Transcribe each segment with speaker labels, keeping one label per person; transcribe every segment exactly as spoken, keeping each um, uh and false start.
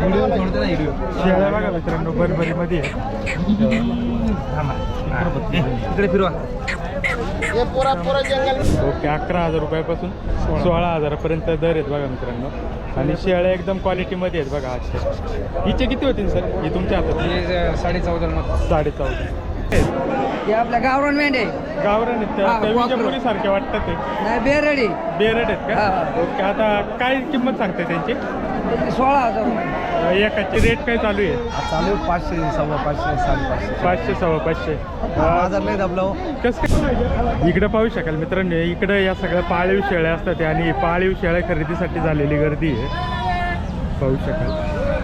Speaker 1: शेळ्या बघा मित्रांनो बरबरीमध्ये आहे.
Speaker 2: इकडे फिरवा.
Speaker 1: ओके, अकरा हजार रुपयापासून सोळा हजारापर्यंत दर आहेत बघा मित्रांनो. आणि शेळ्या एकदम क्वालिटीमध्ये आहेत बघा आजच्या. हिचे किती होतील सर? ही तुमच्या हातात
Speaker 2: साडे चौदा
Speaker 1: साडे चौदा
Speaker 2: हे आपल्या गावरान मेंढे
Speaker 1: गावरान आहेत मुली सारखे वाटतात ते.
Speaker 2: नाही बेरडी
Speaker 1: बेरड आहेत का? ओके, आता काय किंमत सांगताय त्यांची?
Speaker 2: सोळा हजार रुपये
Speaker 1: एकाची रेट काय चालू आहे?
Speaker 2: चालू पाचशे सव्वा पाचशे साडेपाचशे
Speaker 1: पाचशे सव्वा पाचशे.
Speaker 2: हजार नाही दबलो.
Speaker 1: कसं इकडं पाहू शकाल मित्रांनो, इकडं या सगळ्या पाळीव शेळ्या असतात आणि पाळीव शेळ्या खरेदीसाठी झालेली गर्दी आहे, पाहू शकाल.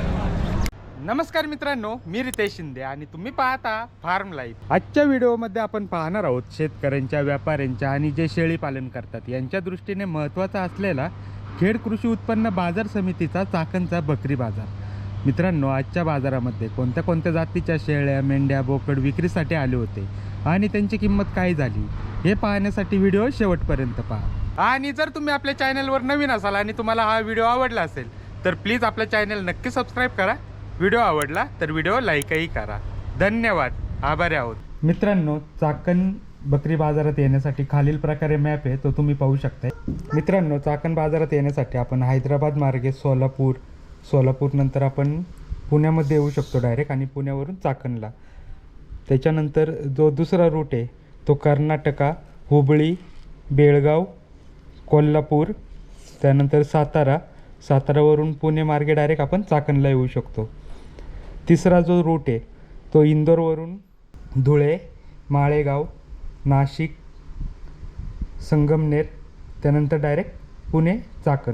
Speaker 1: नमस्कार मित्रांनो, मी रितेश शिंदे आणि तुम्ही पाहता फार्म लाईफ. आजच्या व्हिडिओमध्ये आपण पाहणार आहोत शेतकऱ्यांच्या, व्यापाऱ्यांच्या आणि जे शेळी पालन करतात यांच्या दृष्टीने महत्त्वाचा असलेला खेड कृषी उत्पन्न बाजार समितीचा चाकणचा बकरी बाजार. मित्रांनो, आजच्या बाजारामध्ये कोणत्या कोणत्या जातीच्या शेळ्या, मेंढ्या, बोकड विक्रीसाठी आले होते आणि त्यांची किंमत काय झाली हे पाहण्यासाठी व्हिडिओ शेवटपर्यंत पहा. आणि जर तुम्ही आपल्या चॅनलवर नवीन असाल आणि तुम्हाला हा व्हिडिओ आवडला असेल तर प्लीज आपल्या चॅनल नक्की सबस्क्राईब करा. व्हिडिओ आवडला तर व्हिडिओ लाईकही करा. धन्यवाद, आभारी आहोत. मित्रांनो, चाकण बकरी बाजारात येण्यासाठी खालील प्रकारे मॅप आहे, तो तुम्ही पाहू शकताय. मित्रांनो, चाकण बाजारात येण्यासाठी आपण हैदराबाद मार्गे सोलापूर, सोलापूर नंतर आपण पुण्यामध्ये येऊ शकतो डायरेक्ट आणि पुण्यावरून चाकणला. त्याच्यानंतर जो दुसरा रूट आहे तो कर्नाटका, हुबळी, बेळगाव, कोल्हापूर, त्यानंतर सातारा, सातारावरून पुणे मार्गे डायरेक्ट आपण चाकणला येऊ शकतो. तिसरा जो रूट आहे तो इंदोरवरून धुळे, माळेगाव, नाशिक, संगमनेर, त्यानंतर डायरेक्ट पुणे चाकण.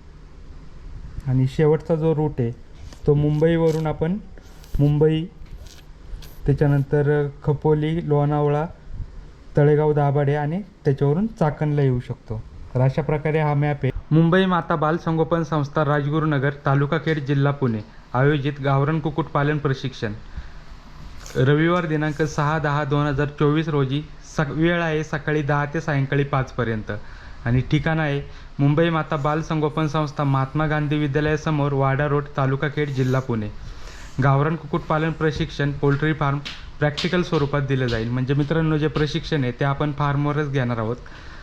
Speaker 1: आणि शेवटचा जो रूट आहे तो मुंबईवरून आपण मुंबई, त्याच्यानंतर खपोली, लोणावळा, तळेगाव, दाभाडे आणि त्याच्यावरून चाकणला येऊ शकतो. तर अशा प्रकारे हा मॅप आहे. मुंबई माता बाल संगोपन संस्था, राजगुरुनगर, तालुका खेड, जिल्हा पुणे आयोजित गावरान कुक्कुटपालन प्रशिक्षण. रविवार दिनांक सहा दहा दोन हजार चोवीस रोजी. सक वेळ आहे सकाळी दहा ते सायंकाळी पाचपर्यंत आणि ठिकाण आहे मुंबई माता बाल संगोपन संस्था, महात्मा गांधी विद्यालयासमोर, वाडा रोड, तालुका खेड, जिल्हा पुणे. गावरान कुक्कुटपालन प्रशिक्षण पोल्ट्री फार्म प्रॅक्टिकल स्वरूपात दिलं जाईल. म्हणजे मित्रांनो, जे प्रशिक्षण आहे ते आपण फार्मवरच घेणार आहोत.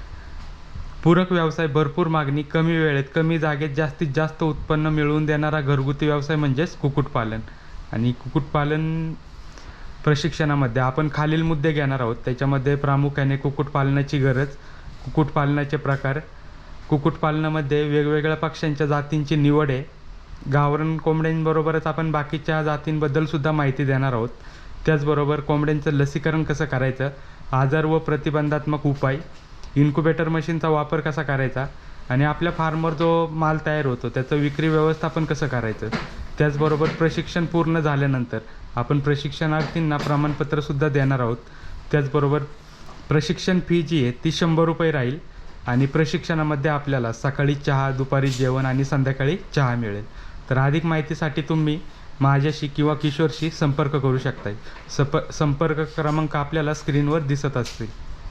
Speaker 1: पूरक व्यवसाय, भरपूर मागणी, कमी वेळेत कमी जागेत जास्तीत जास्त उत्पन्न मिळवून देणारा घरगुती व्यवसाय म्हणजेच कुक्कुटपालन. आणि कुक्कुटपालन प्रशिक्षणामध्ये आपण खालील मुद्दे घेणार आहोत. त्याच्यामध्ये प्रामुख्याने कुक्कुटपालनाची गरज, कुक्कुटपालनाचे प्रकार, कुक्कुटपालनामध्ये वेगवेगळ्या पक्ष्यांच्या जातींची निवड आहे. गावरान कोंबड्यांबरोबरच आपण बाकीच्या जातींबद्दलसुद्धा माहिती देणार आहोत. त्याचबरोबर कोंबड्यांचं लसीकरण कसं करायचं, आजार व प्रतिबंधात्मक उपाय, इन्क्युबेटर मशीनचा वापर कसा करायचा आणि आपल्या फार्मवर जो माल तयार होतो त्याचं विक्री व्यवस्थापन कसं करायचं. त्याचबरोबर प्रशिक्षण पूर्ण झाल्यानंतर आपण प्रशिक्षणार्थींना प्रमाणपत्रसुद्धा देणार आहोत. त्याचबरोबर प्रशिक्षण फी जी आहे ती शंभर रुपये राहील आणि प्रशिक्षणामध्ये आपल्याला सकाळी चहा, दुपारी जेवण आणि संध्याकाळी चहा मिळेल. तर अधिक माहितीसाठी तुम्ही माझ्याशी किंवा किशोरशी संपर्क करू शकताय. सप संपर्क क्रमांक आपल्याला स्क्रीनवर दिसत असतील.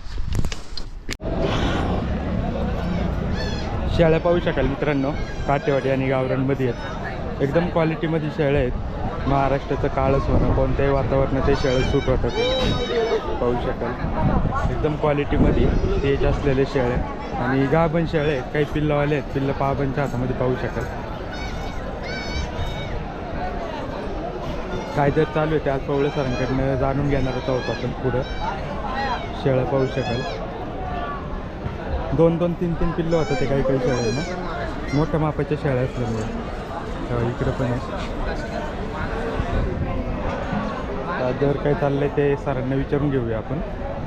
Speaker 1: शेळ्या पाहू शकाल मित्रांनो, काटेवाडी आणि गावरानमध्ये आहेत. एकदम क्वालिटीमध्ये शेळ्या आहेत. महाराष्ट्राचं काळं सोनं, कोणत्याही वातावरणात ते शेळ्या सूट होतात, पाहू शकाल. एकदम क्वालिटीमध्ये तेज असलेले शेळ्या आणि गाभण शेळ्या आहेत. काही पिल्लवाले आहेत, पिल्लं पाबनच्या हातामध्ये पाहू शकाल. काय जर चालू आहे ते आज पवळे सरांकडनं जाणून घेणारच आहोत आपण पुढं. शेळ्या पाहू शकाल. दोन दोन तीन तीन पिल्लं होतं ते काही काही शेळ्यांना, मोठ्या मापाच्या शेळ्या असल्यामुळे. इकडं पण आहे. दर काय चाललंय ते सरांना विचारून घेऊया आपण.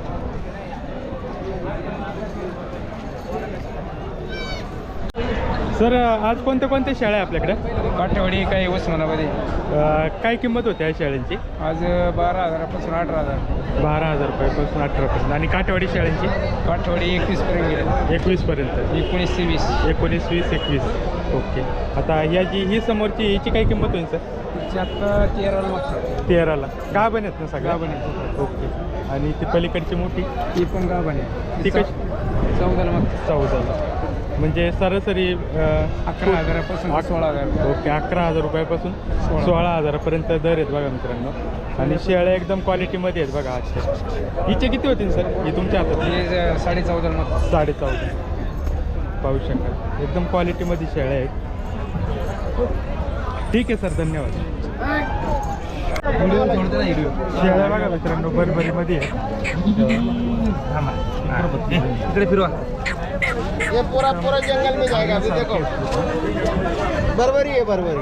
Speaker 1: सर, आज कोणत्या कोणत्या शेळ्या आहे आपल्याकडे?
Speaker 2: काठेवाडी काही उस्मानाबादी.
Speaker 1: काय किंमत होती या शेळ्यांची?
Speaker 2: आज बारा हजारापासून अठरा हजार
Speaker 1: बारा हजार रुपयापासून अठरापर्यंत. आणि काठेवाडी शेळ्यांची?
Speaker 2: काठेवाडी एकवीसपर्यंत गेले.
Speaker 1: एकवीसपर्यंत.
Speaker 2: एकोणीस ते वीस.
Speaker 1: एकोणीस वीस एकवीस. ओके. आता ह्या जी ही समोरची हिची काय किंमत होईल सर?
Speaker 2: तिची आत्ता तेराला मागतात.
Speaker 1: तेराला. गाभण आहेत ना सगळ्या?
Speaker 2: गाभण आहेत.
Speaker 1: ओके. आणि ती पलीकडची मोठी
Speaker 2: ती पण गाभण आहे.
Speaker 1: ती कशी?
Speaker 2: चौदाला मागतात.
Speaker 1: चौदाला. म्हणजे सरासरी अं,
Speaker 2: अकरा हजारापासून
Speaker 1: अक-
Speaker 2: सोळा हजार
Speaker 1: ओके अकरा हजार रुपयापासून
Speaker 2: सोळा.
Speaker 1: सोळा हजारापर्यंत दर आहेत बघा मित्रांनो. आणि शेळ्या एकदम क्वालिटीमध्ये आहेत बघा आजच्या. हिचे किती होतील सर ही तुमच्या हातात?
Speaker 2: हे साडे चौदा मग
Speaker 1: साडे चौदा पाहू शकाल एकदम क्वालिटीमध्ये शेळ्या आहेत. ठीक आहे सर धन्यवाद. शेळ्या बघा मित्रांनो बरबरीमध्ये आहे.
Speaker 2: इकडे फिरवा.
Speaker 3: ये पूरा पूरा जंगल में जाएगा अभी देखो बरबरी है बरबरी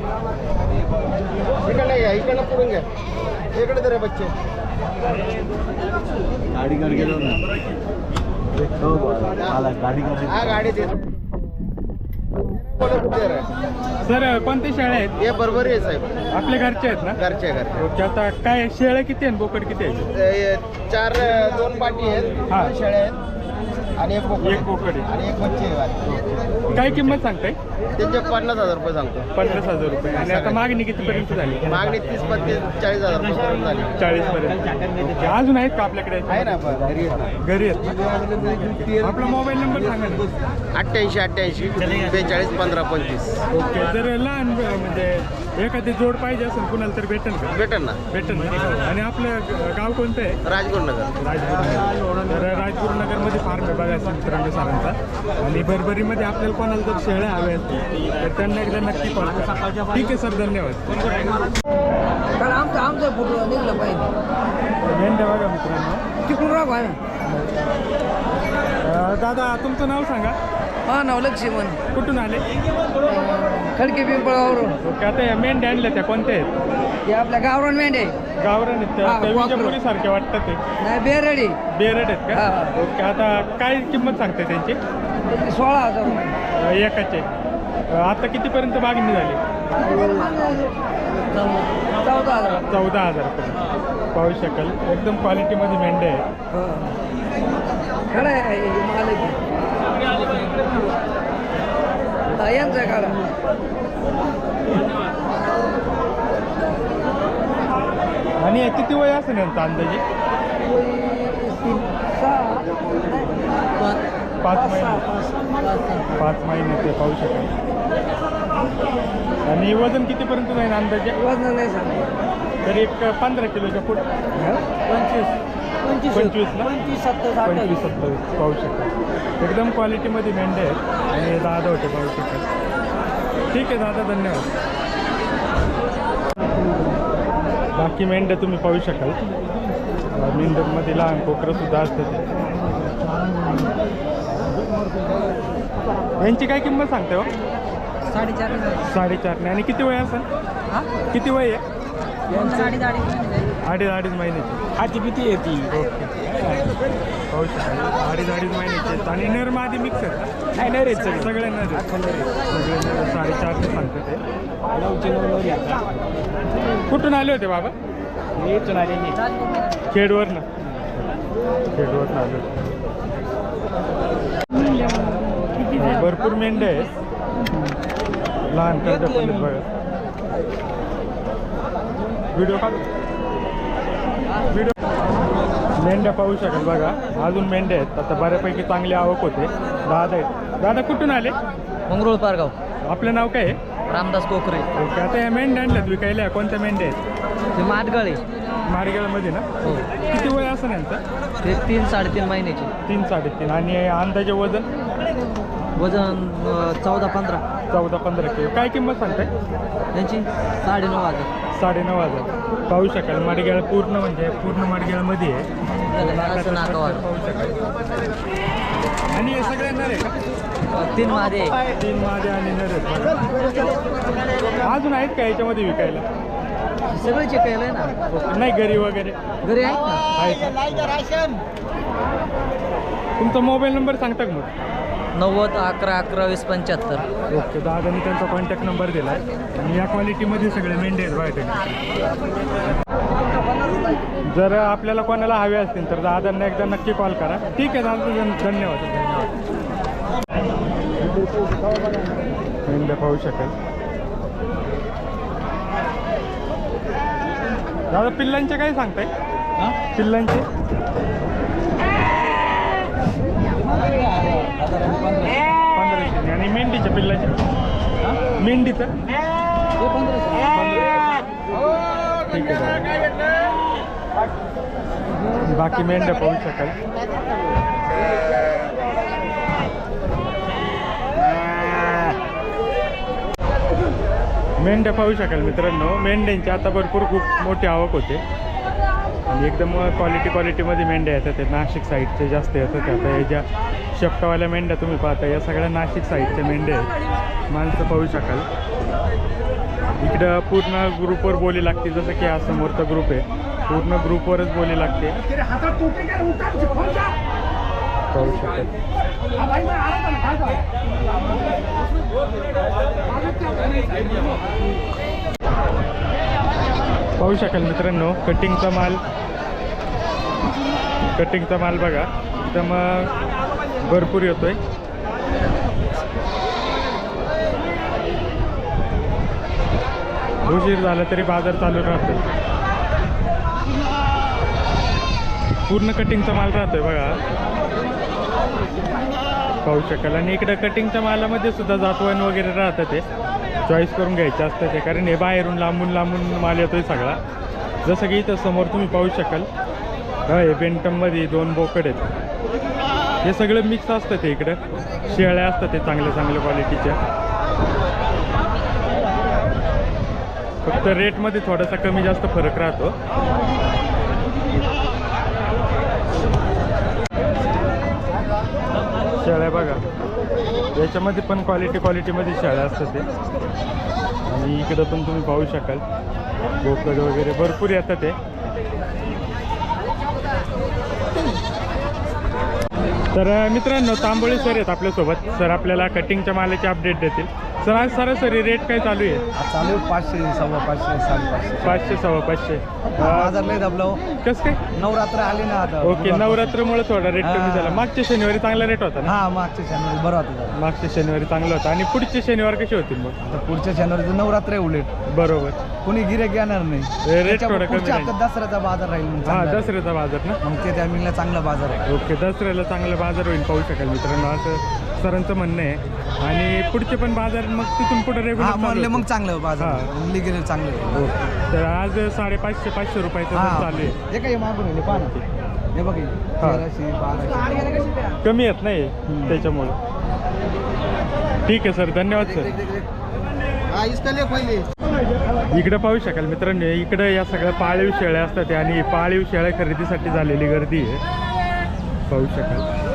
Speaker 3: इकडे घ्या इकडे पुढून घ्या इकडे तर बच्चे गाडी करके जाऊ ना गाडी हा गाडी दे
Speaker 1: सर कोणते शेळ्या आहेत?
Speaker 3: ये बरबरी आहे साहेब
Speaker 1: आपल्या घरचे आहेत ना?
Speaker 3: घरचे घरचे
Speaker 1: ओके आता काय शेळ्या किती आहेत बोकड किती आहेत?
Speaker 3: ये चार दोन पाटी आहेत
Speaker 1: हा.
Speaker 3: दोन शेळ्या आहेत आणि एक बोकड
Speaker 1: एक बोकड आहे.
Speaker 3: आणि एक बच्चे आहे.
Speaker 1: काय किंमत सांगताय?
Speaker 3: त्यांचे पन्नास हजार रुपये सांगतो
Speaker 1: पन्नास हजार रुपये. आणि आता मागणी कितीपर्यंत झाली?
Speaker 3: मागणी तीस पस्तीस चाळीस हजार रुपये झाली
Speaker 1: चाळीस पर्यंत. ओके अजून आहेत का आपल्याकडे?
Speaker 3: आहे ना आपण घरी आहेत ना.
Speaker 1: घरी आहेत ना? आपला मोबाईल नंबर सांगा ना.
Speaker 3: अठ्ठ्याऐंशी अठ्ठ्याऐंशी बेचाळीस पंधरा पंचवीस
Speaker 1: ओके जर लहान म्हणजे एखादी जोड पाहिजे असेल कुणाला तर भेटेल का?
Speaker 3: भेटेल ना
Speaker 1: भेटेल ना. आणि आपलं ग- गाव कोणतं आहे?
Speaker 3: राजगुरुनगर
Speaker 1: राजगुरुनगर. तर राजगुरुनगरमध्ये फार्म आहे बघा मित्रांनो सरांचा. आणि बरबरीमध्ये आपल्याला कोणाला जर शेळ्या हव्या असतील तर त्यांना एकदा नक्की कॉल करा. ठीक आहे सर धन्यवाद.
Speaker 4: कारण आमचं आमचं फोटो निघलं पाहिजे
Speaker 1: मेंढ्या बघा मित्रांनो.
Speaker 4: तिकडून राहा आहे
Speaker 1: अं, दादा तुमचं नाव सांगा.
Speaker 4: हा नाव लक्ष्मण
Speaker 1: कुठून आले?
Speaker 4: खडके पिंपळावरून
Speaker 1: ओके आता या मेंढ्या आणल्या त्या कोणत्या आहेत?
Speaker 4: हे आपल्या गावरान मेंढे
Speaker 1: गावरान आहेत त्या?
Speaker 4: हा,
Speaker 1: त्या
Speaker 4: वाकरू.
Speaker 1: विजापुरीसारखे वाटतात ते.
Speaker 4: नाही बेरडी
Speaker 1: बेरड आहेत का?
Speaker 4: हा.
Speaker 1: ओके आता काय किंमत सांगते त्यांची?
Speaker 4: त्याची सोळा हजार रुपये
Speaker 1: अं, एकाचे अं, आता कितीपर्यंत मागणी झाली?
Speaker 4: चौदा हजार
Speaker 1: चौदा हजारपर्यंत पाहू शकाल एकदम क्वालिटीमध्ये मेंढ्या आहेत.
Speaker 4: हो. खरं आहे हे मालक आहे. हा, यांचा काढा
Speaker 1: आणि हे किती वय असेल यांचा अंदाजे? पाच महिने पाच महिने ते पाहू शकाल. आणि वजन कितीपर्यंत जाईल अंदाजे?
Speaker 4: वजन नाही सांग
Speaker 1: तरी एक पंधरा किलोच्या पुढे
Speaker 4: पंचवीस पंचवीस
Speaker 1: पंचवीस ना?
Speaker 4: पंचवीस सत्तावीस
Speaker 1: पंचवीस
Speaker 4: अठ्ठावीस
Speaker 1: सत्तावीस पाहू शकाल. एकदम क्वालिटीमध्ये मेंढे आहेत आणि दादा होते पाहू शकाल. ठीक आहे दादा धन्यवाद. बाकी मेंढ्या तुम्ही पाहू शकाल. मेंढ्यांमध्ये लहान कोकरं सुद्धा असतात. यांची काय किंमत सांगते हो?
Speaker 4: साडेचार
Speaker 1: साडेचारने. आणि किती वय असेल?
Speaker 4: हा
Speaker 1: किती वय आहे?
Speaker 4: अडीच अडीच
Speaker 1: अडीच अडीच महिन्याची.
Speaker 2: हाती किती येते
Speaker 1: ओके पाहू शकाल अडीच अडीच महिन्याचे आहेत. आणि नर मादी मिक्स आहेत ना?
Speaker 2: नाही नाही रे सगळे
Speaker 1: सगळे नर आहेत. सगळे नर साडेचारने सांगते ते.
Speaker 2: नऊचे नऊ नऊ घ्या.
Speaker 1: कुठून आले होते बाबा?
Speaker 2: इथून आलेली
Speaker 1: खेडवरनं खेडवरनं आले होते. भरपूर मेंढ्या आहेत. लहान करडे पण आहेत बघा. व्हिडिओ काढ व्हिडिओ मेंढ्या पाहू शकाल बघा. अजून मेंढ्या आहेत. आता बऱ्यापैकी चांगली आवक होते. दादा आहेत. दादा कुठून आले?
Speaker 4: मंगरुळ पारगाव
Speaker 1: आपलं नाव काय आहे?
Speaker 4: रामदास कोकरे
Speaker 1: ओके आता या मेंढ्या आणल्यात विकायला. कोणत्या मेंढ्या आहेत?
Speaker 4: ते माटगळे
Speaker 1: मारगेळमध्ये ना?
Speaker 4: हो
Speaker 1: किती वय असं यांचं?
Speaker 4: ते तीन साडेतीन महिन्याचे
Speaker 1: तीन साडेतीन. आणि अंदाजे वजन?
Speaker 4: वजन चौदा पंधरा
Speaker 1: चौदा पंधरा किलो. काय किंमत सांगताय?
Speaker 4: त्यांची साडेनऊ हजार
Speaker 1: साडेनऊ हजार पाहू शकाल. माडगेळ पूर्ण म्हणजे पूर्ण माडगेळमध्ये आहे.
Speaker 4: असं नाकावर
Speaker 1: पाहू शकाल. आणि हे सगळे नर आहे का?
Speaker 4: तीन मादे
Speaker 1: तीन माझे आणि नर आहेत बघा. अजून आहेत का याच्यामध्ये विकायला?
Speaker 4: सगळे चेक केलंय ना
Speaker 1: ओके. नाही घरी वगैरे
Speaker 4: घरी आहेत ना
Speaker 1: आहेत का? तुमचा मोबाईल नंबर सांगता का मग?
Speaker 4: नव्वद अकरा अकरा वीस पंच्याहत्तर
Speaker 1: ओके दादानी त्यांचा कॉन्टॅक्ट नंबर दिला आहे. आणि या क्वालिटीमध्ये सगळे मेंढे आहेत बायोटेक. जर आपल्याला कोणाला हवे असतील तर दादांना एकदा नक्की कॉल करा. ठीक आहे दादा धन- धन्यवाद धन्यवाद. मेंढ्या पाहू शकाल. दादा पिल्लांचे काय सांगताय? पिल्लांचे पंधरा पंधराशे आणि मेंढीच्या पिल्लाचे मेंढीचं
Speaker 4: हे पंधराशे
Speaker 1: ठीक आहे बाकी मेंढ्या पाहू शकाल मेंढ्या पाहू शकाल मित्रांनो मेंढ्यांची आता भरपूर खूप मोठी आवक होते आणि एकदम क्वालिटी क्वालिटीमध्ये मेंढ्या येतात ते नाशिक साईडचे जास्त येतात आता या ज्या शेपटावाल्या मेंढ्या तुम्ही पाहता या सगळ्या नाशिक साईडच्या मेंढ्या आहेत माणसं पाहू शकाल इकडं पूर्ण ग्रुपवर बोली लागते जसं की हा समोरचा ग्रुप आहे पूर्ण ग्रुपवरच बोली लागते पाहू शकाल पाहू शकाल मित्रांनो कटिंगचा माल कटिंगचा माल बघा एकदम भरपूर येतोय उशीर झाला तरी बाजार चालू राहतो पूर्ण कटिंगचा माल राहतोय बघा पाहू शकाल आणि इकडं कटिंगच्या मालामध्ये सुद्धा जातवान वगैरे राहतं ते चॉईस करून घ्यायचं असतं ते कारण हे बाहेरून लांबून लांबून माल येतोय सगळा जसं की इथं समोर तुम्ही पाहू शकाल हे बेंटममध्ये दोन बोकड आहेत हे सगळं मिक्स असतं ते इकडं शेळ्या असतात ते चांगल्या चांगल्या क्वालिटीच्या फक्त रेटमध्ये थोडासा कमी जास्त फरक राहतो शेळ्या बघा याच्यामध्ये पण क्वालिटी क्वालिटीमध्ये शेळ्या असतात ते आणि इकडं पण तुम्ही पाहू शकाल बोकड वगैरे भरपूर येतात ते तर मित्रांनो तांबोळी सर आहेत आपल्यासोबत सर आपल्याला कटिंगच्या मालाची अपडेट देतील सर आज सरासरी रेट काय चालू आहे
Speaker 2: चालू पाचशे सव्वा पाचशे साडेपाचशे
Speaker 1: पाचशे सव्वा पाचशे
Speaker 2: बाजार लय दबलो
Speaker 1: कसं काय
Speaker 2: नवरात्र आली ना आता
Speaker 1: ओके नवरात्रमुळे थोडा रेट कमी
Speaker 2: हा.
Speaker 1: झाला मागच्या शनिवारी चांगला रेट होता ना
Speaker 2: हा मागच्या शनिवारी बरं होतं
Speaker 1: मागच्या शनिवारी चांगला होता आणि पुढचे शनिवार कसे होतील मग
Speaker 2: आता पुढच्या शनिवारी नवरात्र आहे उलट
Speaker 1: बरोबर
Speaker 2: कोणी गिरेक येणार नाही
Speaker 1: रेट
Speaker 2: त्याच्यामुळे
Speaker 1: थोडा कमी
Speaker 2: पुढच्या
Speaker 1: राहील.
Speaker 2: हप्त्यात दसऱ्याचा बाजार राहील मग
Speaker 1: हा
Speaker 2: चांगला.
Speaker 1: दसऱ्याचा बाजार ना
Speaker 2: मग ते टायमिंगला चांगला बाजार आहे
Speaker 1: ओके दसऱ्याला चांगला बाजार होईल पाहू शकाल मित्रांनो असं सरांचं म्हणणं आहे आणि पुढचे पण बाजार मग तिथून पुढे
Speaker 2: हा
Speaker 1: रेग्युलर
Speaker 2: म्हणले मग चांगलं बाजार
Speaker 1: हा.
Speaker 2: म्हणले गेले चांगलं आहे.
Speaker 1: ओके तर आज साडेपाचशे पाचशे रुपयाचं दर
Speaker 2: हा
Speaker 1: चालू आहे
Speaker 2: हे काय मागून येईल पाहा ना. हे बघ हे.
Speaker 1: हा.
Speaker 2: तेराशे बाराशे
Speaker 1: कमी येत नाही त्याच्यामुळं ठीक आहे सर धन्यवाद सर
Speaker 3: हाँ इसका ले पहले
Speaker 1: इकडं पाहू शकाल मित्रांनो इकडं या सगळ्या पाळीव शेळ्या असतात आणि पाळीव शेळ्या खरेदीसाठी झालेली गर्दी आहे पाहू शकाल